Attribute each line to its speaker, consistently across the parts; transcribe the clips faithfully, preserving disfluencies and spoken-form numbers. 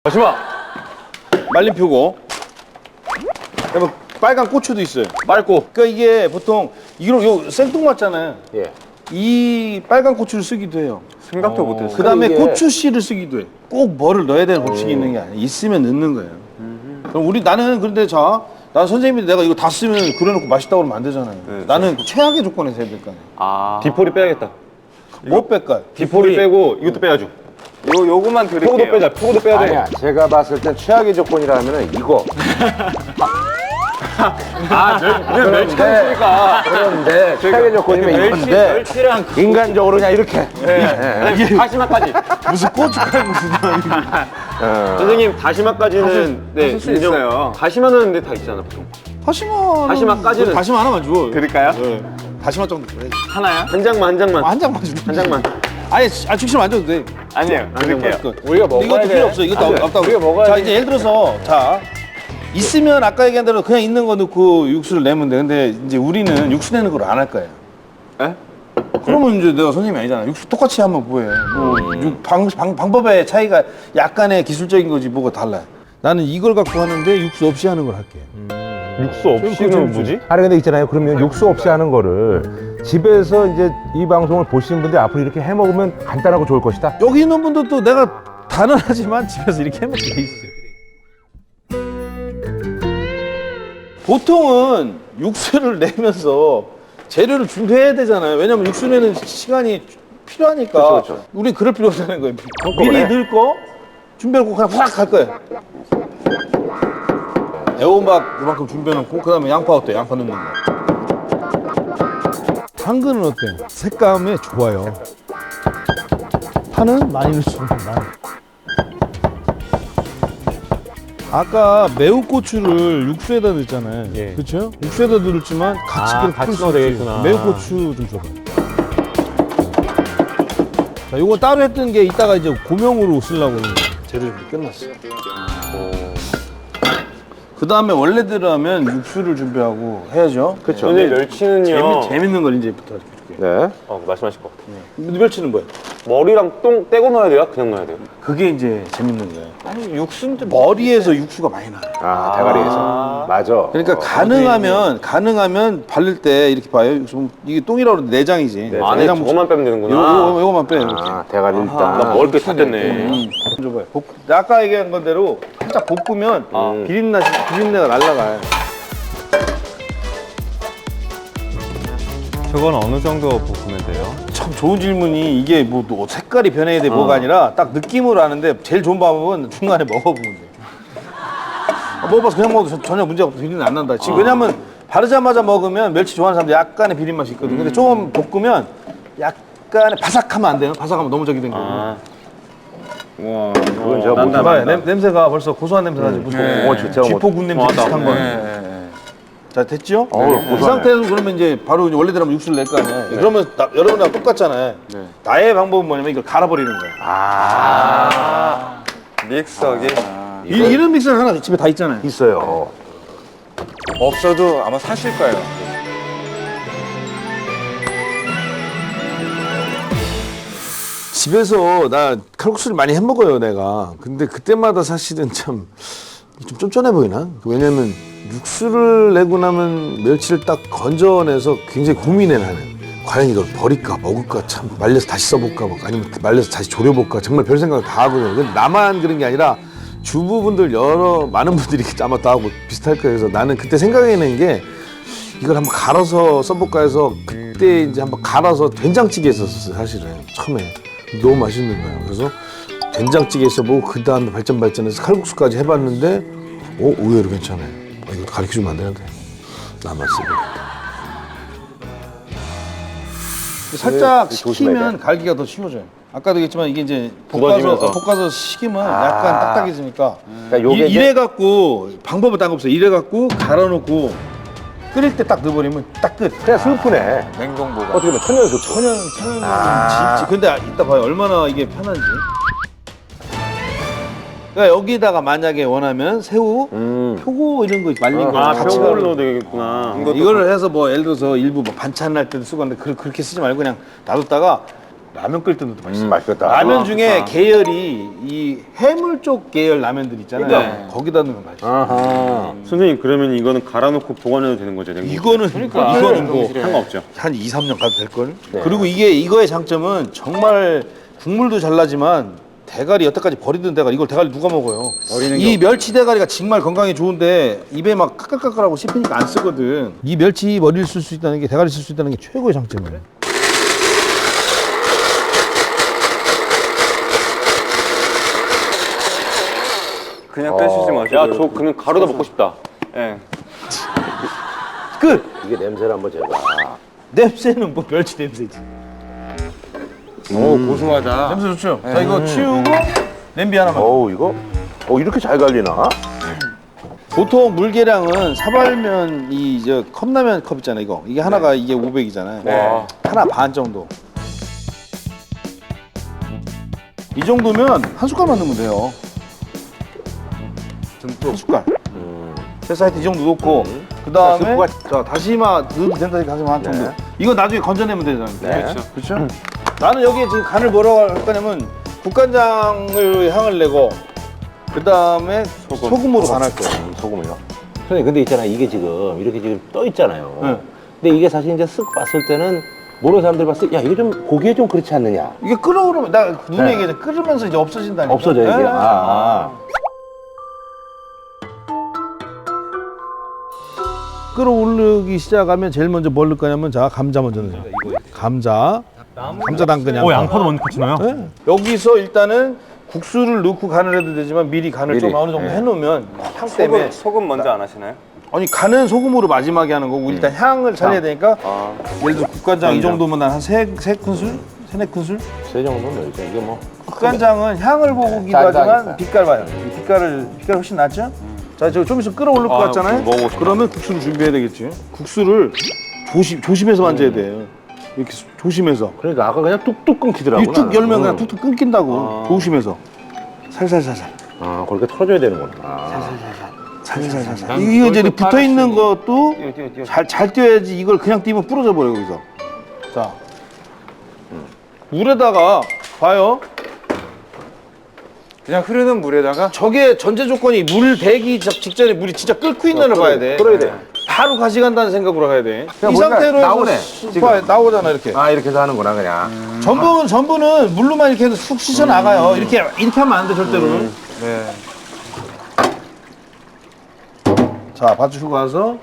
Speaker 1: 다시마 말린 표고. 그다음에 빨간 고추도 있어요. 빨고. 그러니까 이게 보통 이거 요 생뚱맞잖아요.
Speaker 2: 예.
Speaker 1: 이 빨간 고추를 쓰기도 해요.
Speaker 2: 생각도 못했어요.
Speaker 1: 그다음에
Speaker 2: 이게...
Speaker 1: 고추씨를 쓰기도 해. 꼭 뭐를 넣어야 되는 법칙이 있는 게 아니야. 있으면 넣는 거예요. 음. 그럼 우리 나는 그런데 자, 난 선생님이 내가 이거 다 쓰면 그려놓고 맛있다고 그러면 안 되잖아요. 네, 나는 네. 최악의 조건에서 해야 될 거 아니에요.
Speaker 2: 아.
Speaker 3: 디포리 빼야겠다.
Speaker 1: 뭐 뺄까요?
Speaker 3: 디포리 빼고 이것도 빼야죠.
Speaker 2: 요 요거만 드릴게요.
Speaker 3: 표고도 빼자. 표고도 빼야 돼.
Speaker 2: 아니야. 제가 봤을 땐 최악의 조건이라면은 이거.
Speaker 3: 아, 그냥 멸치니까.
Speaker 2: 그런데 최악의 조건이면 이건데
Speaker 3: 멸치랑
Speaker 2: 인간적으로 그냥 이렇게.
Speaker 3: 네. 네. 다시마까지.
Speaker 1: 무슨 고춧가루 무슨
Speaker 2: 어.
Speaker 3: 선생님 다시마까지는 네,
Speaker 2: 수 있어요.
Speaker 3: 다시마는 근데 다 있잖아 보통.
Speaker 1: 다시마
Speaker 3: 다시마까지는
Speaker 1: 다시마 하나만 줘.
Speaker 3: 드릴까요?
Speaker 1: 네. 다시마 정도 그래.
Speaker 3: 하나야? 한 장만 한 장만.
Speaker 1: 아, 한 장만 줘.
Speaker 3: 한 장만.
Speaker 1: 아니, 아 죽시면 안 줘도 돼.
Speaker 3: 아니에요. 안 드릴게요.
Speaker 2: 우리가 먹어야
Speaker 1: 이것도
Speaker 2: 돼.
Speaker 1: 필요 없어. 이것도
Speaker 2: 안 돼.
Speaker 1: 없다고.
Speaker 2: 우리가 먹어야
Speaker 1: 자
Speaker 2: 돼.
Speaker 1: 이제 예를 들어서 자 있으면 아까 얘기한 대로 그냥 있는 거 넣고 육수를 내면 돼. 근데 이제 우리는 육수 내는 걸 안 할 거야.
Speaker 3: 에?
Speaker 1: 그러면 이제 내가 선생님이 아니잖아. 육수 똑같이 하면 뭐해. 뭐 육, 방, 방, 방법의 차이가 약간의 기술적인 거지 뭐가 달라. 나는 이걸 갖고 하는데 육수 없이 하는 걸 할게.
Speaker 3: 육수 없이는 뭐지?
Speaker 4: 아니 근데 있잖아요. 그러면 육수 없이 하는 거를 집에서 이제 이 방송을 보시는 분들이 앞으로 이렇게 해 먹으면 간단하고 좋을 것이다.
Speaker 1: 여기 있는 분들도 내가 단언하지만 집에서 이렇게 해먹게 돼 있어요. 보통은 육수를 내면서 재료를 준비해야 되잖아요. 왜냐면 육수 내는 시간이 필요하니까.
Speaker 2: 그렇죠, 그렇죠.
Speaker 1: 우리 그럴 필요 없다는 거예요. 미리 넣을 거 준비하고 그냥 확 갈 거예요. 애호박 이만큼 준비해놓고 그다음에 양파 어때? 양파 넣는 거. 당근은 어때? 색감에 좋아요. 파는 많이 넣으시면 많이. 아까 매운 고추를 육수에다 넣었잖아요.
Speaker 3: 예.
Speaker 1: 그렇죠? 육수에다 넣었지만 같이
Speaker 3: 아,
Speaker 1: 그렇게
Speaker 3: 같이
Speaker 1: 풀 수
Speaker 3: 넣어도
Speaker 1: 있지.
Speaker 3: 되겠구나.
Speaker 1: 매운 고추 좀 줘봐요. 자, 요거 따로 했던 게 이따가 이제 고명으로 쓰려고 하는 거예요. 재료 준비 끝났어. 그 다음에 원래대로 하면 육수를 준비하고 해야죠.
Speaker 2: 그렇죠.
Speaker 3: 근데 멸치는요.
Speaker 1: 재미, 재밌는 걸 이제부터 이렇게 줄게요.
Speaker 2: 네.
Speaker 3: 어, 말씀하실 것 같아.
Speaker 1: 멸치는 뭐야?
Speaker 3: 머리랑 똥 떼고 넣어야 돼요? 그냥 넣어야 돼요?
Speaker 1: 그게 이제 재밌는 거예요.
Speaker 3: 아니 육수인데
Speaker 1: 머리에서 육수가 많이 나요.
Speaker 2: 아, 대가리에서. 맞아.
Speaker 1: 그러니까
Speaker 2: 어.
Speaker 1: 가능하면 가능하면 바를 때 이렇게 봐요. 육수 이게 똥이라고 그러는데 내장이지.
Speaker 3: 안에
Speaker 1: 내장
Speaker 3: 저거만 빼면
Speaker 1: 요거,
Speaker 3: 되는구나.
Speaker 1: 요거, 요거만 빼요. 이렇게.
Speaker 2: 아, 대가리
Speaker 3: 나
Speaker 2: 일단.
Speaker 3: 먹을 게 다 됐네.
Speaker 1: 음. 줘봐요. 볶, 아까 얘기한 건대로 살짝 볶으면
Speaker 3: 아.
Speaker 1: 비린내 비린내가 날라가요.
Speaker 5: 저건 어느 정도 볶으면 돼요?
Speaker 1: 참 좋은 질문이 이게 뭐 또 색깔이 변해야 돼
Speaker 3: 어.
Speaker 1: 뭐가 아니라 딱 느낌으로 아는데 제일 좋은 방법은 중간에 먹어보면 돼. 어, 먹어봐서 그냥 먹어도 전- 전혀 문제가 없어. 비린내 안 난다. 지금 왜냐면 바르자마자 먹으면 멸치 좋아하는 사람들 약간의 비린 맛이 있거든. 근데 조금 볶으면 약간의 바삭하면 안 돼요. 바삭하면 너무 저기 된 거고.
Speaker 3: 아. 와,
Speaker 2: 그건 제가
Speaker 3: 난다,
Speaker 1: 봐요.
Speaker 3: 난다.
Speaker 1: 냄, 냄새가 벌써 고소한 냄새 나지. 무슨
Speaker 2: 네. 어, 진짜
Speaker 1: 쥐포군 냄새
Speaker 3: 고소하다.
Speaker 1: 비슷한 거.
Speaker 2: 네.
Speaker 1: 자 됐죠?
Speaker 2: 어우,
Speaker 1: 이
Speaker 2: 고소하네.
Speaker 1: 상태에서 그러면 이제 바로 이제 원래대로 하면 육수를 낼 거 아니에요. 그러면 나, 여러분랑 똑같잖아요. 나의 방법은 뭐냐면 이걸 갈아버리는 거예요.
Speaker 2: 아.
Speaker 5: 믹서기?
Speaker 1: 이, 이런 믹서는 하나 집에 다 있잖아요.
Speaker 2: 있어요.
Speaker 5: 없어도 아마 사실 거예요.
Speaker 1: 집에서 나 칼국수를 많이 해 먹어요 내가. 근데 그때마다 사실은 참 좀 쫀쫀해 보이나? 왜냐면 육수를 내고 나면 멸치를 딱 건져내서 굉장히 고민해 나는. 과연 이걸 버릴까 먹을까 참 말려서 다시 써볼까 막 아니면 말려서 다시 졸여볼까 정말 별 생각을 다 하거든요. 근데 나만 그런 게 아니라 주부분들 여러 많은 분들이 아마 다 하고 비슷할 거예요. 그래서 나는 그때 생각해낸 게 이걸 한번 갈아서 써볼까 해서 그때 이제 한번 갈아서 된장찌개 했었어요 사실은 처음에. 너무 맛있는 거예요. 그래서 된장찌개 써보고 그 다음에 발전 발전해서 칼국수까지 해봤는데 오 의외로 괜찮아요. 아, 이거 가르쳐주면 안 되는데 나만 쓰고. 살짝
Speaker 2: 네, 조심해야
Speaker 1: 식히면 갈기가 더 쉬워져요. 아까도 얘기했지만 이게 이제 볶아서,
Speaker 3: 굳어지면서.
Speaker 1: 어, 볶아서 식히면
Speaker 2: 아.
Speaker 1: 약간 딱딱해지니까
Speaker 2: 그러니까 요게
Speaker 1: 이, 이래 갖고 방법은 딱 없어요. 이래 갖고 갈아놓고 끓일 때 딱 넣어버리면 딱 끝.
Speaker 2: 그냥 슬프네.
Speaker 5: 냉동 보관.
Speaker 2: 어떻게 보면 천연 소초.
Speaker 1: 천연 천연
Speaker 2: 아.
Speaker 1: 지- 지- 근데 이따 봐요 얼마나 이게 편한지. 그러니까 여기다가 만약에 원하면 새우,
Speaker 2: 음.
Speaker 1: 표고 이런 거 말린 거
Speaker 3: 아,
Speaker 1: 같이
Speaker 3: 표고를
Speaker 1: 넣어.
Speaker 3: 넣어도 되겠구나.
Speaker 1: 이거를 해서 뭐 예를 들어서 일부 뭐 반찬 날 때도 쓰고 하는데 그, 그렇게 쓰지 말고 그냥 놔뒀다가 라면 끓일 때도 맛있어.
Speaker 2: 음, 맛있겠다.
Speaker 1: 라면 중에 계열이 이 해물 쪽 계열 라면들 있잖아요.
Speaker 3: 네.
Speaker 1: 거기다 넣으면 맛있어.
Speaker 2: 아하.
Speaker 3: 선생님 그러면 이거는 갈아놓고 보관해도 되는 거죠? 냉동?
Speaker 1: 이거는 이거는 뭐
Speaker 3: 상관없죠.
Speaker 1: 한 이, 삼 년 가도 될 걸.
Speaker 2: 네.
Speaker 1: 그리고 이게 이거의 장점은 정말 국물도 잘 나지만 대가리 여태까지 버리던 대가리 이걸 대가리 누가 먹어요? 이 멸치 대가리가 정말 건강에 좋은데 입에 막 까끌까끌하고 씹히니까 안 쓰거든. 이 멸치 머리를 쓸 수 있다는 게 대가리 쓸 수 있다는 게 최고의 장점이에요.
Speaker 5: 그냥 빼시지 마시고.
Speaker 3: 야, 저 그냥 가루다 먹고 싶다. 예.
Speaker 1: 끝.
Speaker 2: 이게 냄새를 한번 제가.
Speaker 1: 냄새는 뭐 멸치 냄새지.
Speaker 5: 오, 고소하다.
Speaker 1: 냄새 좋죠? 자 이거 치우고 냄비 하나만.
Speaker 2: 어우, 이거? 어, 이렇게 잘 갈리나?
Speaker 1: 보통 물계량은 사발면 이 저 컵라면 컵 있잖아요 이거 이게 하나가 이게 오백이잖아요.
Speaker 3: 네.
Speaker 1: 하나 반 정도. 이 정도면 한 숟갈만 넣으면 돼요. 한 숟갈. 그래서 하여튼 이 정도 넣고 그 다음에 자 다시마 넣어도 된다 다시마 한 정도. 이거 나중에 건져내면 되잖아요.
Speaker 2: 네.
Speaker 1: 그렇죠? 나는 여기에 지금 간을 뭐라고 할 거냐면 국간장을 향을 내고 그 다음에 소금. 으로 간할 거예요.
Speaker 2: 소금을요? 선생님, 근데 있잖아. 이게 지금 이렇게 지금 떠 있잖아요.
Speaker 1: 네.
Speaker 2: 근데 이게 사실 이제 쓱 봤을 때는 모르는 사람들 봤을 때, 야, 이게 좀, 보기에 좀 그렇지 않느냐?
Speaker 1: 이게 끓어오르면 나 눈에
Speaker 2: 네.
Speaker 1: 얘기해 끓으면서 이제 없어진다니까.
Speaker 2: 없어져, 이게.
Speaker 1: 네.
Speaker 2: 아, 아.
Speaker 1: 끓어오르기 시작하면 제일 먼저 뭘 넣을 거냐면 자 감자 먼저 넣어요. 감자. 감자 담그냐.
Speaker 6: 오, 양파도 먼저 같이 넣어요?
Speaker 1: 네. 여기서 일단은 국수를 넣고 간을 해도 되지만 미리 간을
Speaker 2: 미리.
Speaker 1: 좀 어느 정도
Speaker 2: 네.
Speaker 1: 해놓으면 향 때문에.
Speaker 3: 소금, 소금 먼저 안 하시나요?
Speaker 1: 아니 간은 소금으로 마지막에 하는 거고 일단 향을 살려야 되니까
Speaker 3: 아,
Speaker 1: 예를 들어 국간장 이 정도면 한세 세 큰술, 세네 큰술.
Speaker 2: 세 정도면 넣죠. 이게 뭐.
Speaker 1: 국간장은 향을 보고
Speaker 2: 짜다,
Speaker 1: 기도하지만
Speaker 2: 짜다.
Speaker 1: 빛깔 봐요. 이 빛깔을 빛깔 훨씬 낫죠? 자, 저 좀 있으면 끓어오를 것
Speaker 3: 아,
Speaker 1: 같잖아요.
Speaker 3: 먹어보고 싶다.
Speaker 1: 그러면 국수를 준비해야 되겠지. 국수를 조심 조심해서 만져야 돼. 이렇게 수- 조심해서.
Speaker 2: 그러니까 아까 그냥 뚝뚝 끊기더라고.
Speaker 1: 이 뚝 열면 그냥
Speaker 2: 응.
Speaker 1: 툭툭 끊긴다고. 조심해서. 살살살살.
Speaker 2: 아, 그렇게 털어줘야 되는구나. 아.
Speaker 1: 살살살살. 이거 이제 이렇게 붙어 있는 것도
Speaker 3: 뛰어, 뛰어, 뛰어.
Speaker 1: 잘 잘 띄어야지. 이걸 그냥 띄면 부러져 버려 여기서. 자, 물에다가 봐요.
Speaker 5: 그냥 흐르는 물에다가
Speaker 1: 저게 전제 조건이 물 배기 적- 직전에 물이 진짜 끓고 있는을 봐야 돼.
Speaker 2: 끓어야 돼.
Speaker 1: 바로 가시간다는 생각으로 가야 돼.
Speaker 2: 그냥
Speaker 1: 이
Speaker 2: 뭔가
Speaker 1: 상태로
Speaker 2: 나오네,
Speaker 1: 해서
Speaker 2: 지금.
Speaker 1: 봐, 나오잖아 이렇게.
Speaker 2: 아, 이렇게 해서 하는구나, 그냥.
Speaker 1: 전분은 전분은 물로만 이렇게 해서 쑥 씻어 나가요. 이렇게 이렇게 하면 안 돼 절대로는.
Speaker 5: 네.
Speaker 1: 자, 받치고 가서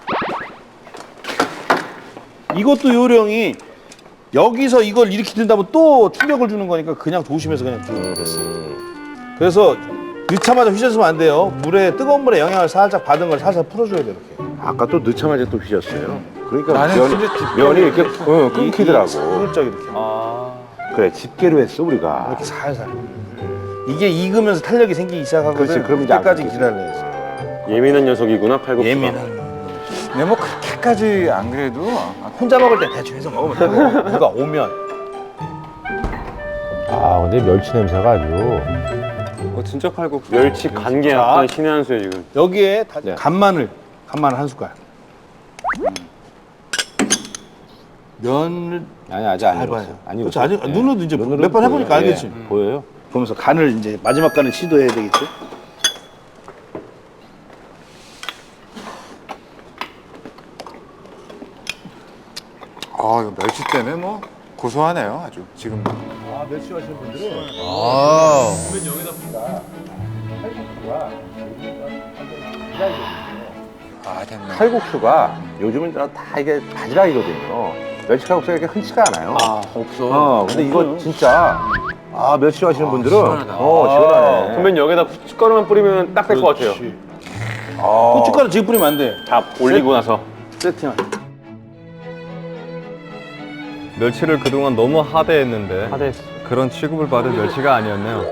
Speaker 1: 이것도 요령이 여기서 이걸 이렇게 든다면 또 충격을 주는 거니까 그냥 조심해서 그냥 쭉 됐어. 그래서 넣자마자 휘저으면 안 돼요. 물에 뜨거운 물에 영향을 살짝 받은 걸 살살 풀어줘야 돼 이렇게.
Speaker 2: 아까 또 넣자마자 또 휘졌어요. 그러니까
Speaker 5: 나는
Speaker 2: 면이,
Speaker 5: 진짜 집게로
Speaker 2: 면이 이렇게 어, 끊기더라고.
Speaker 1: 슬쩍 이렇게.
Speaker 3: 아,
Speaker 2: 그래, 집게로 했어, 우리가.
Speaker 1: 이렇게 살살. 이게 익으면서 탄력이 생기기 시작하거든.
Speaker 2: 그렇지, 그럼 이제 안
Speaker 1: 그때까지
Speaker 2: 끊기지.
Speaker 1: 기다려야지.
Speaker 3: 예민한 녀석이구나, 칼국수가.
Speaker 1: 예민한.
Speaker 5: 근데 뭐 그렇게까지 안 그래도 아,
Speaker 1: 혼자 먹을 때 대충 해서 먹으면 되고 누가 오면.
Speaker 4: 아, 근데 멸치 냄새가 아주.
Speaker 5: 어, 진짜 칼국수.
Speaker 3: 멸치 간게 약간 신의 한 수예요, 지금.
Speaker 1: 여기에 다,
Speaker 2: 네.
Speaker 1: 간마늘, 간마늘 한 숟갈. 면을
Speaker 2: 아니, 아직 안
Speaker 1: 해봐요.
Speaker 2: 익었어요. 안
Speaker 1: 그렇지,
Speaker 2: 익었어요.
Speaker 1: 아직
Speaker 2: 예.
Speaker 1: 눈으로도 이제
Speaker 2: 눈으로는
Speaker 1: 몇 번 해보니까
Speaker 2: 보여요.
Speaker 1: 알겠지.
Speaker 2: 예. 보여요?
Speaker 1: 보면서 간을 이제 마지막 간을 시도해야 되겠지.
Speaker 5: 아, 이거 멸치 때문에 뭐 고소하네요, 아주. 지금.
Speaker 1: 아, 멸치 하시는 분들은
Speaker 5: 아. 아, 됐네.
Speaker 2: 칼국수가 요즘은 다 이게 바지락이거든요. 멸치 칼국수가 이렇게 흔치가 않아요.
Speaker 5: 아, 없어.
Speaker 2: 어, 근데 이거 진짜 아, 멸치 하시는 분들은
Speaker 5: 시원하다.
Speaker 2: 어, 시원하네.
Speaker 3: 선배님 여기다 후춧가루만 뿌리면 딱 될 것 같아요.
Speaker 2: 아,
Speaker 1: 고춧가루 지금 뿌리면 안 돼.
Speaker 3: 다 올리고 나서.
Speaker 1: 세팅만.
Speaker 6: 멸치를 그동안 너무 하대했는데
Speaker 3: 하대했어.
Speaker 6: 그런 취급을 받을 멸치가 아니었네요.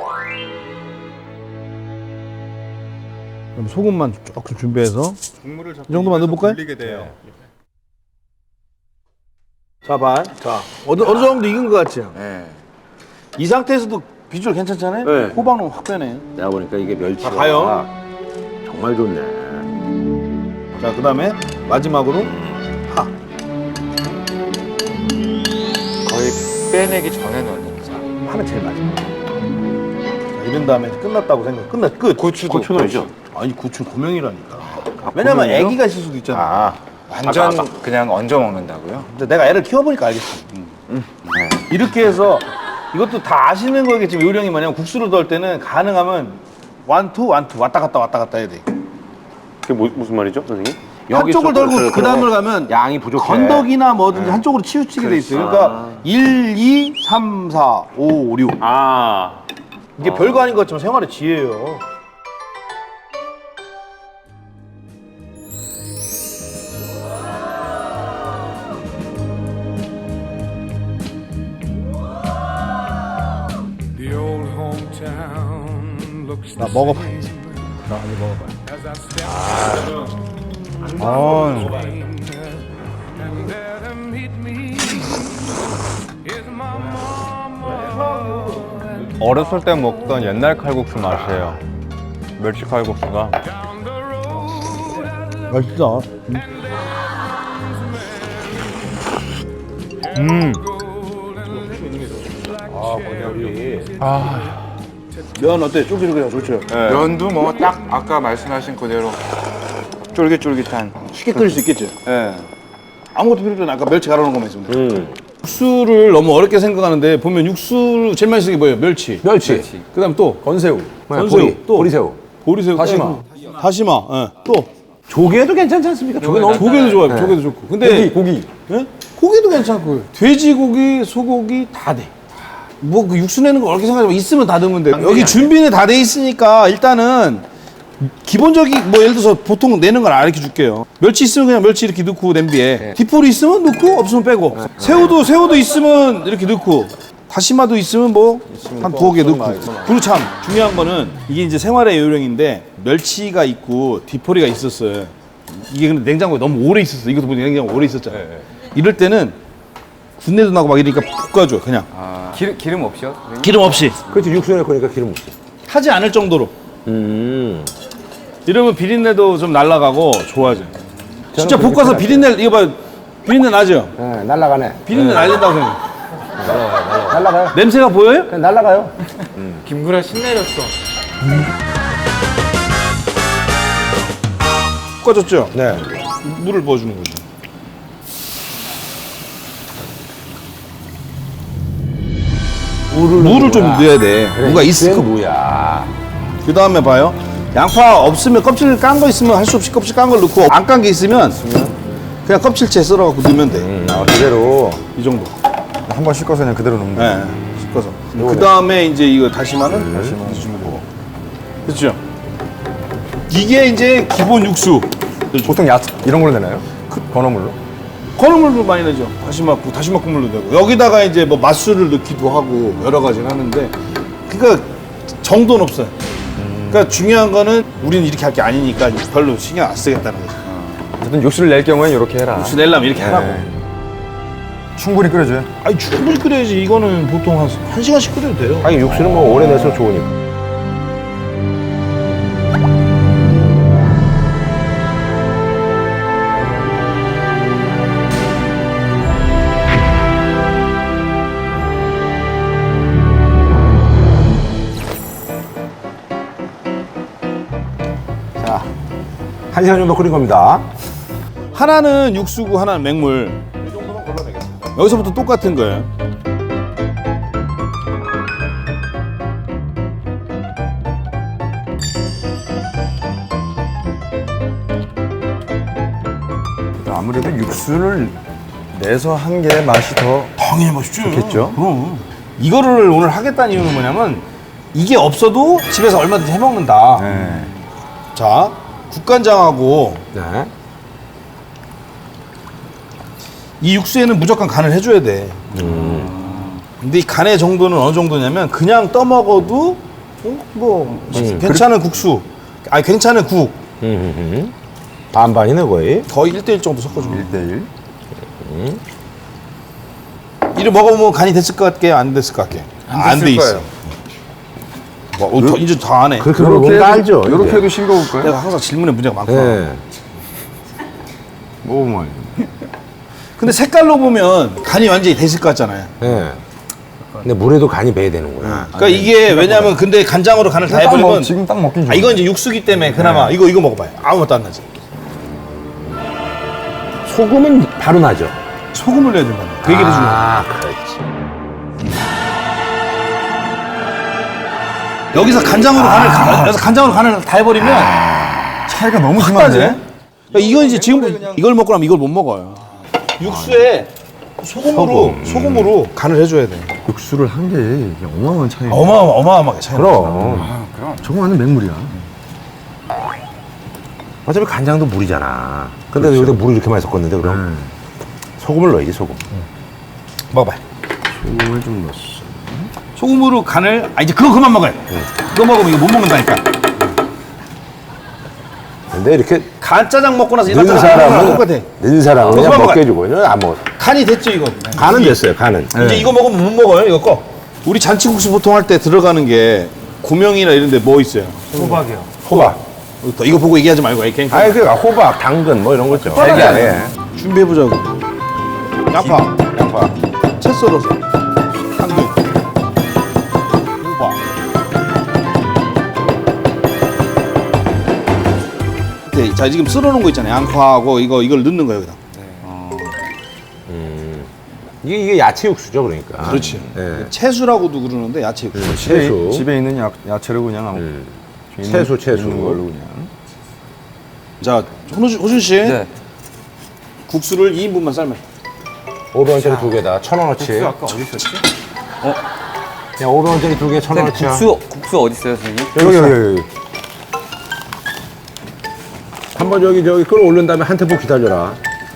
Speaker 1: 그럼 소금만 조금 준비해서
Speaker 5: 국물을
Speaker 1: 이 정도만 넣어볼까요?
Speaker 5: 불리게 돼요.
Speaker 1: 자, 반. 자, 어느, 어느 정도 익은 것 같죠?
Speaker 5: 네.
Speaker 1: 이 상태에서도 비주얼 괜찮잖아요?
Speaker 3: 네.
Speaker 1: 호박 넣으면 확 빼네.
Speaker 2: 내가 보니까 이게 멸치가
Speaker 1: 자, 가요.
Speaker 2: 정말 좋네.
Speaker 1: 자, 그 다음에 마지막으로 파.
Speaker 5: 거의 빼내기 전에 넣는 자.
Speaker 1: 하면 제일 마지막. 자, 이런 다음에 끝났다고 생각. 끝났 끝.
Speaker 5: 고추도
Speaker 2: 고추 넣어야죠.
Speaker 1: 아니 고추 고명이라니까. 왜냐면 애기가 있을 수도 있잖아.
Speaker 2: 아,
Speaker 5: 완전 그냥 얹어 먹는다고요?
Speaker 1: 근데 내가 애를 키워보니까 알겠어. 이렇게 해서 이것도 다 아시는 거겠지만 요령이 뭐냐면 국수를 넣을 때는 가능하면 완투 완투 왔다 갔다 왔다 갔다 해야 돼.
Speaker 3: 그게 뭐, 무슨 말이죠, 선생님?
Speaker 1: 한쪽을 덜고 그 다음을 가면
Speaker 2: 양이 부족해.
Speaker 1: 건더기나 뭐든지 한쪽으로 치우치게 돼 있어요. 그러니까 일, 이, 삼, 사, 오, 육.
Speaker 3: 아,
Speaker 1: 이게 별거 아닌 것 같지만 생활의 지혜예요. 나 먹어봐야지. 나 한번 먹어봐요.
Speaker 5: 어,
Speaker 6: 어렸을 때 먹던 옛날 칼국수 맛이에요. 멸치 칼국수가.
Speaker 1: 맛있다.
Speaker 6: 음.
Speaker 1: 면 어때? 쫄깃쫄깃하고 좋죠?
Speaker 5: 면도 뭐 딱 아까 말씀하신 그대로 쫄깃쫄깃한.
Speaker 1: 쉽게 끓일 수 있겠죠?
Speaker 5: 예.
Speaker 1: 아무것도 필요 없잖아. 아까 멸치 갈아놓은 것만 있으면 돼.
Speaker 3: 음.
Speaker 1: 육수를 너무 어렵게 생각하는데 보면 육수 제일 많이 쓰는 게 뭐예요? 멸치.
Speaker 7: 멸치,
Speaker 1: 그다음 또
Speaker 7: 건새우,
Speaker 1: 건새우,
Speaker 7: 보리,
Speaker 1: 또.
Speaker 7: 보리새우,
Speaker 1: 보리새우,
Speaker 7: 다시마.
Speaker 1: 예, 다시마. 예. 또
Speaker 7: 조개도 괜찮지 않습니까? 조개 너무
Speaker 1: 조개도 좋아요. 조개도 좋고. 근데
Speaker 7: 고기, 고기.
Speaker 1: 예? 고기도 괜찮고 돼지고기, 소고기 다 돼. 뭐 그 육수 내는 거 어렵게 생각하지만 있으면 다 넣으면 돼. 여기 준비는 다 돼 있으니까 일단은 기본적인 뭐 예를 들어서 보통 내는 걸 알려 줄게요. 멸치 있으면 그냥 멸치 이렇게 넣고 냄비에 디포리 있으면 넣고 없으면 빼고 새우도 새우도 있으면 이렇게 넣고 다시마도 있으면 뭐 한 두어 개 넣고. 그리고 참 중요한 거는 이게 이제 생활의 요령인데 멸치가 있고 디포리가 있었어요. 이게 근데 냉장고에 너무 오래 있었어. 이것도 보니 냉장고에 오래 있었잖아요. 이럴 때는 군내도 나고 막 이러니까 볶아줘 그냥
Speaker 6: 기름, 기름 없이요?
Speaker 1: 기름 없이
Speaker 7: 그렇지, 육수 넣을 거니까 기름 없지.
Speaker 1: 타지 않을 정도로.
Speaker 7: 음.
Speaker 1: 이러면 비린내도 좀 날아가고 좋아져. 진짜
Speaker 7: 그렇게
Speaker 1: 볶아서
Speaker 7: 생각해요.
Speaker 1: 비린내 이거 봐 비린내 나죠?
Speaker 7: 네, 날라가네.
Speaker 1: 비린내 날린다고 생각.
Speaker 7: 날라가요.
Speaker 1: 냄새가 보여요?
Speaker 7: 그냥 날라가요.
Speaker 5: 김구라 신내렸어.
Speaker 1: 볶아줬죠?
Speaker 7: 네.
Speaker 1: 물을 부어주는 거죠.
Speaker 7: 물을,
Speaker 1: 물을 좀 넣어야 돼. 무가 있을 거.
Speaker 7: 뭐야?
Speaker 1: 그 다음에 봐요. 양파 없으면 껍질 깐 거 있으면 할 수 없이 껍질 깐 걸 넣고 안 깐 게 있으면 그냥 껍질째 썰어갖고 넣으면 돼.
Speaker 7: 음, 아, 그대로
Speaker 1: 이 정도.
Speaker 5: 한 번 씻어서 그냥 그대로 넣는
Speaker 1: 네. 씻어서. 그 다음에 이제 이거 다시마는 다시마 주면 되고. 그렇죠? 이게 이제 기본 육수.
Speaker 7: 보통 야채 이런 걸로 내나요? 그 건어물로?
Speaker 1: 건어물도 많이 넣죠. 다시마국, 다시마 국물도 되고. 여기다가 이제 뭐 맛술을 넣기도 하고 여러 가지를 하는데 그러니까 정도는 없어요. 그러니까 중요한 거는 우리는 이렇게 할 게 아니니까 별로 신경 안 쓰겠다는 거죠.
Speaker 7: 어쨌든 육수를 낼 경우엔 이렇게 해라.
Speaker 1: 육수 내려면 이렇게 하라고.
Speaker 5: 충분히 끓여줘요.
Speaker 1: 아니 충분히 끓여야지. 이거는 보통 한, 한 시간씩 끓여도 돼요.
Speaker 7: 아니 육수는 뭐 오래 내서 좋으니까. 자, 한 시간 정도 끓인 겁니다.
Speaker 1: 하나는 육수고 하나는 맹물. 이 정도만 골라내겠습니다. 여기서부터 똑같은 거예요.
Speaker 5: 아무래도 육수를 내서 한 게 맛이 더
Speaker 1: 당연히 맛있죠.
Speaker 5: 좋겠죠?
Speaker 1: 그럼. 이거를 오늘 하겠다는 이유는 뭐냐면 이게 없어도 집에서 얼마든지 해먹는다.
Speaker 5: 네.
Speaker 1: 자, 국간장하고
Speaker 7: 네.
Speaker 1: 이 육수에는 무조건 간을 해줘야 돼. 근데 이 간의 정도는 어느 정도냐면 그냥 떠먹어도 어? 뭐
Speaker 7: 음,
Speaker 1: 괜찮은 국수, 아니 괜찮은 국
Speaker 7: 음, 음, 음. 반반이네 거의.
Speaker 1: 거의 일 대일 정도 섞어줘.
Speaker 5: 일 대일.
Speaker 1: 이를 먹어보면 간이 됐을 것 같게 안 됐을 것 같게 안 돼 있어. 뭐, 어, 더, 이제 다 안 해.
Speaker 7: 그렇게 뭔가 알죠.
Speaker 5: 이렇게
Speaker 7: 이게.
Speaker 5: 해도 싱거울까요?
Speaker 1: 내가 항상 질문에 문제가 많구나.
Speaker 7: 네.
Speaker 5: 먹어보면.
Speaker 1: 근데 색깔로 보면 간이 완전히 됐을 것 같잖아요.
Speaker 7: 네. 근데 물에도 간이 배야 되는 거야.
Speaker 8: 그러니까 이게 왜냐면 근데 간장으로 간을 다 해버리면
Speaker 6: 지금 딱 먹기
Speaker 8: 아 이건 이제 육수기 때문에 그나마 이거 이거 먹어봐요. 아무것도 안 나지.
Speaker 7: 소금은 바로 나죠.
Speaker 8: 소금을 넣어야 된다. 그 얘기를 해주려고.
Speaker 7: 아, 그렇지.
Speaker 8: 여기서 간장으로 간을 가- 여기서 간장으로 간을 다 해버리면
Speaker 6: 차이가 너무
Speaker 8: 확 나지. 그러니까 이건 이제 지금 이걸 먹고 나면 이걸 못 먹어요. 육수에 소금으로 소금으로 간을 해줘야 돼.
Speaker 6: 육수를 한 게 어마어마한 차이.
Speaker 8: 어마어마 어마어마하게 차이.
Speaker 7: 그럼.
Speaker 6: 저거 완전 맹물이야.
Speaker 7: 어차피 간장도 물이잖아. 근데 여기다 물을 이렇게 많이 섞었는데 그럼 소금을 넣어야지 소금.
Speaker 8: 먹어봐요.
Speaker 6: 소금을 좀 넣었어.
Speaker 8: 소금으로 간을 아 이제 그거 그만 먹어요. 그거 먹으면 이거 못 먹는다니까.
Speaker 7: 근데 이렇게
Speaker 8: 간짜장 먹고 나서 이거
Speaker 7: 는
Speaker 8: 다
Speaker 7: 사람은
Speaker 8: 똑같아.
Speaker 7: 는 사람은 그냥
Speaker 8: 그만
Speaker 7: 먹게 해주고 이거 안 먹어.
Speaker 8: 간이 됐죠 이거.
Speaker 7: 간은 됐어요. 간은.
Speaker 8: 이제 이거 먹으면 못 먹어요 이거 거. 우리 잔치국수 보통 할 때 들어가는 게 고명이나 이런 데 뭐 있어요?
Speaker 4: 호박이요.
Speaker 7: 호박.
Speaker 8: 또 이거 보고 얘기하지 말고 그냥
Speaker 7: 아니 그 호박, 당근 뭐 이런 거 있죠. 달걀. 예.
Speaker 8: 준비해보자고. 양파, 양파, 채 썰어서, 당근, 호박. 네, 자 지금 썰어놓은 거 있잖아요. 양파하고 이거 이걸 넣는 거예요 여기다.
Speaker 7: 이게 이게 야채 육수죠, 그러니까.
Speaker 8: 그렇지.
Speaker 7: 예.
Speaker 8: 채수라고도 그러는데 야채 육수.
Speaker 7: 채소.
Speaker 6: 집에 있는 야, 야채를 그냥 아무
Speaker 7: 음.
Speaker 6: 있는-
Speaker 7: 채소, 채소.
Speaker 6: 있는 걸로 그냥.
Speaker 8: 자 호준, 호준 씨,
Speaker 6: 네.
Speaker 8: 국수를 이 인분만 삶아요.
Speaker 7: 오백 원짜리 두 개다. 천 원어치.
Speaker 6: 아까 어디 있었지?
Speaker 7: 그냥 오백 원짜리 두 개, 천 원어치야.
Speaker 9: 국수 국수 어디 있어요, 선생님?
Speaker 7: 여기 여기 여기. 한번 여기 저기 끌어올린 다음에 한 템포 기다려라.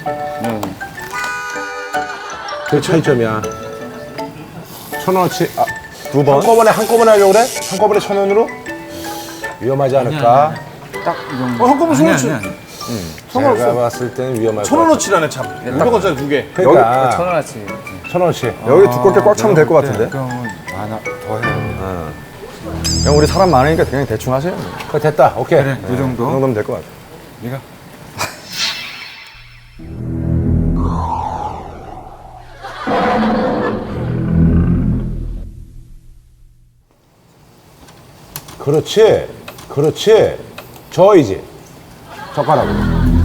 Speaker 7: 그 차이점이야. 천 원어치. 아, 두 번. 한꺼번에 한꺼번에 하려고 그래? 한꺼번에 천 원으로? 위험하지 않을까?
Speaker 8: 어, 한꺼번에 천 원어치.
Speaker 7: 제가 봤을 때는 위험할
Speaker 8: 천
Speaker 7: 것 같아.
Speaker 8: 원어치라네 참. 오백 원짜리 두 개.
Speaker 7: 그러니까
Speaker 9: 천 원어치.
Speaker 7: 천 원어치.
Speaker 6: 여기 두껍게 꽉 차면 될 것 같은데.
Speaker 5: 그러면 하나 더 해요.
Speaker 6: 형 우리 사람 많으니까 그냥 대충 하세요.
Speaker 7: 그거 됐다. 오케이.
Speaker 5: 그래, 이
Speaker 6: 이
Speaker 5: 정도.
Speaker 6: 정도면 될 것 같아.
Speaker 5: 네가
Speaker 7: 그렇지. 그렇지. 저이지. 젓가락으로.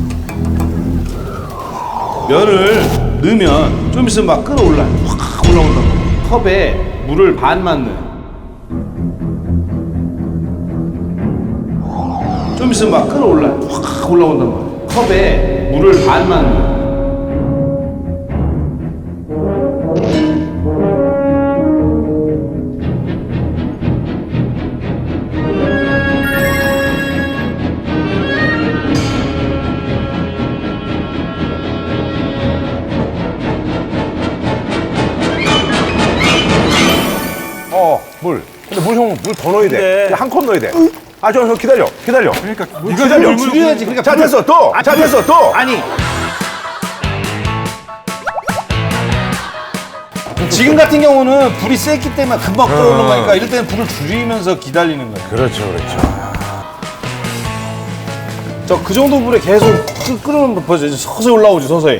Speaker 8: 면을 넣으면 좀 있으면 막 끓어올라요. 확 올라온다. 컵에 물을 반만 넣어요. 좀 있으면 막 끓어올라요. 확 올라온단 말이에요. 컵에 물을 반만 넣어요.
Speaker 7: 어, 물. 근데 물 형, 물 더 넣어야 돼.
Speaker 8: 근데-
Speaker 7: 한 컵 넣어야 돼. 아, 저, 저 기다려. 기다려.
Speaker 5: 그러니까
Speaker 7: 이거 기다려.
Speaker 8: 물 줄여야지. 그러니까
Speaker 7: 자,
Speaker 8: 불을-
Speaker 7: 됐어. 또. 자, 됐어. 또.
Speaker 8: 아니. 지금 같은 경우는 불이 셌기 때문에 금방 끓어오는 거니까 이럴 때는 불을 줄이면서 기다리는 거예요.
Speaker 7: 그렇죠, 그렇죠.
Speaker 8: 저 그 정도 불에 계속 끓, 끓으면 벌써 이제 서서히 올라오죠, 서서히.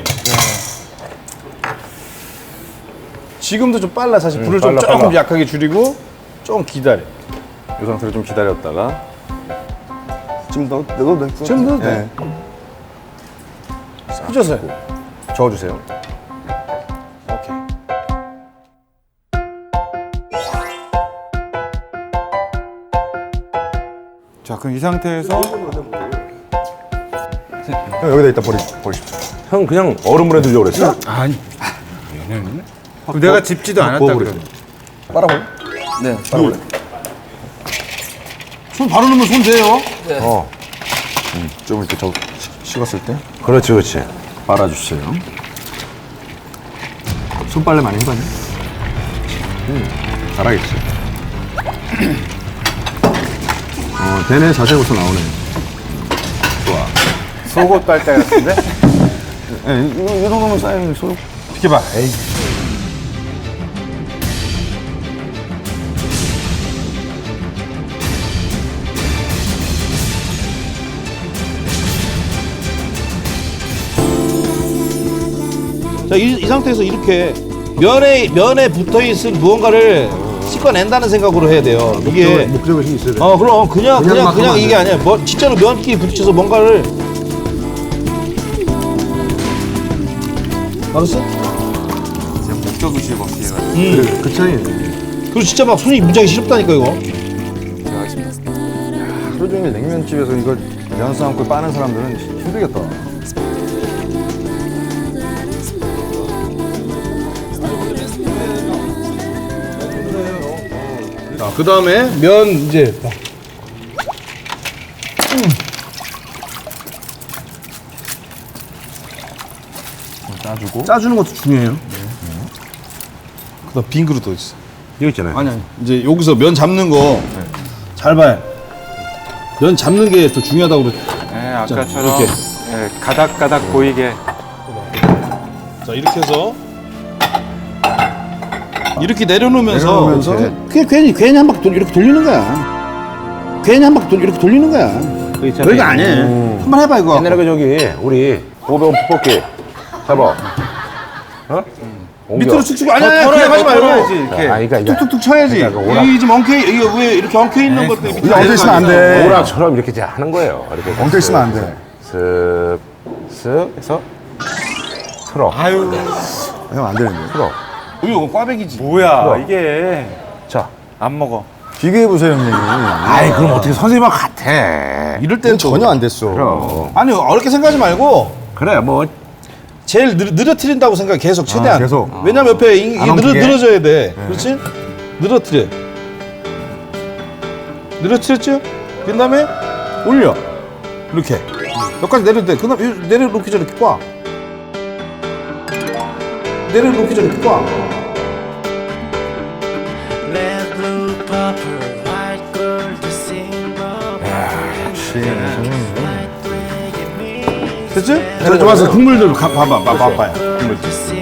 Speaker 8: 지금도 좀 빨라, 사실. 불을 좀
Speaker 6: 빨라,
Speaker 8: 조금
Speaker 6: 빨라.
Speaker 8: 약하게 줄이고 좀 기다려.
Speaker 6: 이 상태로 좀 기다렸다가 지금 넣, 넣어도 될 것 같아요.
Speaker 8: 지금 넣어도 돼. 해줘서요.
Speaker 6: 저어주세요.
Speaker 8: 오케이.
Speaker 5: 자 그럼 이 상태에서
Speaker 6: 형 여기다 이따 버리, 버리십시오.
Speaker 7: 형 그냥 얼음물에 넣으려고 그랬어?
Speaker 5: 아니 얘는 그럼 내가 집지도 않았다 그래.
Speaker 6: 빨아볼래?
Speaker 9: 네.
Speaker 6: 빨아볼래?
Speaker 8: 손 바로 넣으면 손 돼요.
Speaker 7: 어.
Speaker 6: 좀 이렇게 저 식- 식었을 때
Speaker 7: 그렇지, 그렇지.
Speaker 6: 빨아주세요. 손빨래 많이 해봤니? 음, 잘하겠지. 어, 되네. 자세히 벌써 나오네.
Speaker 8: 속옷 빨대 같은데?
Speaker 6: 예, 이, 이 정도면 쌓이는 소.
Speaker 8: 비켜봐. 에이. 자, 이, 이 상태에서 이렇게 면에 면에 붙어 있을 무언가를 씻어낸다는 생각으로 해야 돼요. 이게
Speaker 7: 목적이 있어야 돼.
Speaker 8: 어 그럼 그냥
Speaker 7: 그냥
Speaker 8: 그냥
Speaker 7: 막
Speaker 8: 그냥
Speaker 7: 하면
Speaker 8: 이게
Speaker 7: 안
Speaker 8: 아니야. 뭐 진짜로 면끼리 부딪혀서 뭔가를 알았어?
Speaker 5: 목적 의식에 먹기에
Speaker 8: 음.
Speaker 7: 그 차이.
Speaker 8: 그리고 진짜 막 손이 무지하게 시렵다니까 이거.
Speaker 6: 하루 종일 냉면집에서 이걸 면 삶고 빠는 사람들은 힘들겠다.
Speaker 8: 자, 그 다음에 면 이제
Speaker 6: 짜주고.
Speaker 8: 짜주는 것도 중요해요. 그다음 빈 그릇 어디 있어?
Speaker 7: 이거 있잖아요.
Speaker 8: 아니 아니. 이제 여기서 면 잡는 거 잘 봐요. 면 잡는 게 더 중요하다고 그랬.
Speaker 5: 네, 아까처럼
Speaker 8: 이렇게.
Speaker 5: 네, 가닥가닥 보이게.
Speaker 8: 자 이렇게 해서 이렇게 내려놓으면서,
Speaker 6: 내려놓으면서
Speaker 8: 그냥 괜히 괜히 한 바퀴 돌 이렇게 돌리는 거야. 괜히 한 바퀴 돌 이렇게 돌리는 거야. 별거 아니에요. 한번 해봐 이거.
Speaker 7: 옛날에 그 저기 우리 오병 푸볶이 잡아. 어? 옮겨.
Speaker 8: 밑으로 축축 아니 아니 그냥 하지 말고
Speaker 7: 이렇게. 아, 그러니까 이게
Speaker 8: 툭툭툭 쳐야지.
Speaker 7: 그러니까 오락-
Speaker 8: 이 지금 엉켜 이게 왜 이렇게 엉켜 있는 것들 밑에
Speaker 6: 이거 엉켜 있으면 안 돼.
Speaker 7: 오락처럼 이렇게 이제 하는 거예요. 이렇게
Speaker 6: 엉켜 있으면 안 돼.
Speaker 7: 슥, 슥 해서 틀어.
Speaker 5: 아유,
Speaker 6: 형 안 되는데.
Speaker 7: 틀어.
Speaker 8: 이거 꽈배기지.
Speaker 5: 뭐야
Speaker 7: 그럼.
Speaker 5: 이게.
Speaker 7: 자.
Speaker 5: 안 먹어.
Speaker 6: 비교해 보세요, 형님.
Speaker 7: 아이 그럼 어떻게 선생님하고 같아.
Speaker 8: 이럴 때는 또-
Speaker 6: 전혀 안 됐어.
Speaker 7: 그럼.
Speaker 8: 아니 어렵게 생각하지 말고
Speaker 7: 그래 뭐
Speaker 8: 제일 느, 늘어뜨린다고 생각해 계속 최대한.
Speaker 6: 아, 계속.
Speaker 8: 왜냐면 옆에 이, 이게
Speaker 6: 안
Speaker 8: 늘어,
Speaker 6: 엉키게.
Speaker 8: 늘어져야 돼. 그렇지? 늘어뜨려. 늘어뜨렸죠? 그 다음에 올려. 이렇게. 여기까지 내려도 돼. 그 다음에 내려놓기 전에 이렇게 꽉. 내려놓기 전에 이렇게 꽉. 됐지? 자, 좋아서 국물들 가, 봐봐, 봐봐, 봐봐요. 국물.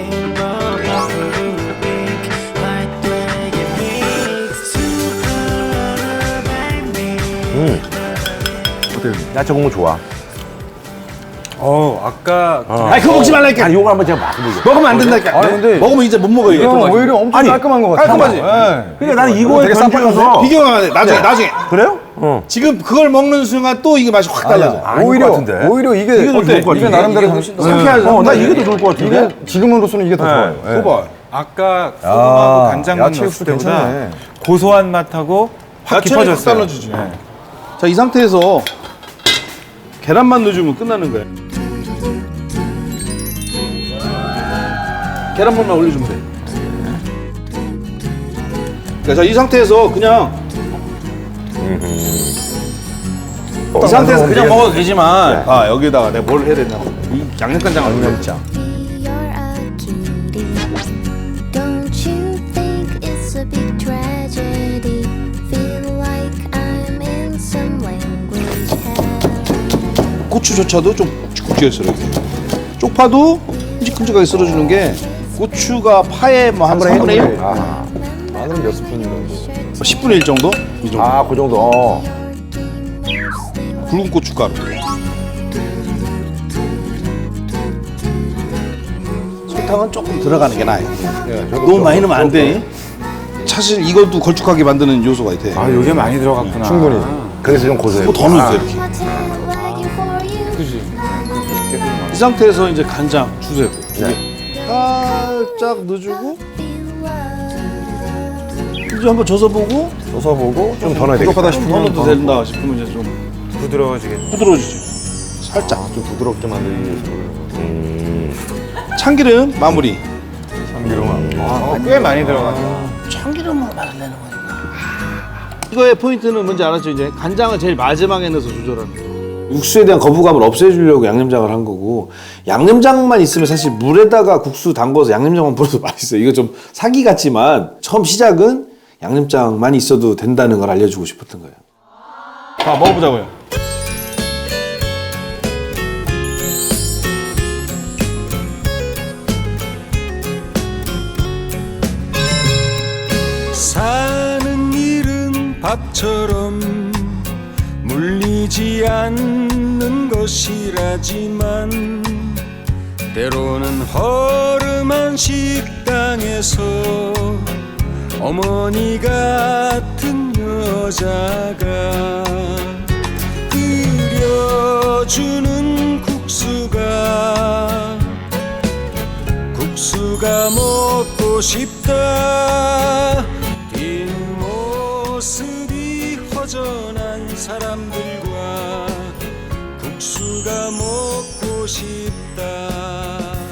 Speaker 7: 야채 국물 좋아.
Speaker 5: 어, 아까
Speaker 8: 아니 그거 먹지 말라니까.
Speaker 7: 아니 요거 한번 제가 맛보게.
Speaker 8: 먹으면 안 된다니까.
Speaker 6: 아니, 근데
Speaker 8: 먹으면 이제 못 먹어 이거.
Speaker 6: 형 오히려 엄청
Speaker 7: 아니,
Speaker 6: 깔끔한 것 같아.
Speaker 8: 깔끔하지?
Speaker 7: 그러니까 나는 이거에
Speaker 6: 되게
Speaker 7: 던져서
Speaker 8: 비교가 안 돼. 나중에 나중에.
Speaker 7: 그래요? 어.
Speaker 8: 지금 그걸 먹는 순간 또 이게 맛이 확 달라져.
Speaker 7: 아닐
Speaker 6: 오히려
Speaker 7: 것 같은데.
Speaker 6: 오히려 이게
Speaker 7: 이게 더 좋을 것
Speaker 6: 이게
Speaker 7: 같은데.
Speaker 6: 나름대로
Speaker 9: 훨씬 더
Speaker 6: 상쾌하죠.
Speaker 7: 어, 나 이게 더 좋을 것 같은데.
Speaker 6: 이게 지금으로서는 이게 더 좋아요. 예.
Speaker 8: 봐봐.
Speaker 5: 아까 소금하고 간장만
Speaker 6: 야채
Speaker 5: 넣었을
Speaker 6: 육수
Speaker 5: 때보다
Speaker 6: 괜찮네.
Speaker 5: 고소한 맛하고 확
Speaker 8: 야채를 확
Speaker 5: 깊어졌어요.
Speaker 8: 달라주지.
Speaker 5: 네.
Speaker 8: 자, 이 상태에서 계란만 넣어주면 끝나는 거야. 계란물만 올려주면 돼. 그러니까 자, 이 상태에서 그냥 이 상태에서 그냥 먹어도 되지만 아 여기다가 내가 뭘 해야 되냐 이 양념간장을 올려놓자.
Speaker 10: You're a cutie. Don't you think it's a big tragedy? Feel like I'm in some language hell.
Speaker 8: 고추조차도 좀 굵게 썰어 이렇게. 쪽파도 큼직큼직하게 썰어주는 게 고추가 파에 뭐 한 삼분의 일?
Speaker 6: 아, 마늘 몇 스푼 정도.
Speaker 8: 십분의 일 정도? 이 정도.
Speaker 7: 아, 그 정도. 어.
Speaker 8: 굵은 고춧가루. 설탕은 조금 들어가는 게 나아요. 너무 많이 넣으면 안 돼. 사실 이것도 걸쭉하게 만드는 요소가 돼.
Speaker 5: 아, 요게 많이 들어갔구나.
Speaker 6: 충분히.
Speaker 7: 그래서 좀 고소해.
Speaker 8: 더 넣어주세요 이렇게.
Speaker 10: My tail wagging for you.
Speaker 8: 이 상태에서 이제 간장 주세요. 살짝 넣어주고 이제 한번 져서 보고
Speaker 6: 써서 보고
Speaker 7: 좀 더 넣어야 되겠다.
Speaker 6: 부족하다
Speaker 8: 더
Speaker 6: 싶으면
Speaker 8: 넣어도 된다 싶으면 이제 좀
Speaker 5: 부드러워지겠네.
Speaker 8: 부드러워지지. 살짝.
Speaker 6: 좀 부드럽게 만들기 위해서.
Speaker 8: 참기름 마무리.
Speaker 5: 아, 꽤 많이 들어갔네.
Speaker 8: 참기름만 많이 내는 거니까. 이거의 포인트는 뭔지 알았죠? 이제 간장을 제일 마지막에 넣어서 조절하는 거. 육수에 대한 거부감을 없애주려고 양념장을 한 거고 양념장만 있으면 사실 물에다가 국수 담궈서 양념장만 뿌려도 맛있어요. 이거 좀 사기 같지만 처음 시작은 양념장만 있어도 된다는 걸 알려주고 싶었던 거예요. 자, 먹어보자고요.
Speaker 11: 사는 일은 밥처럼 물리지 않는 것이라지만 때로는 허름한 식당 세상에서 어머니 같은 여자가 끓여주는 국수가 국수가 먹고 싶다. 뒷모습이 허전한 사람들과 국수가 먹고 싶다.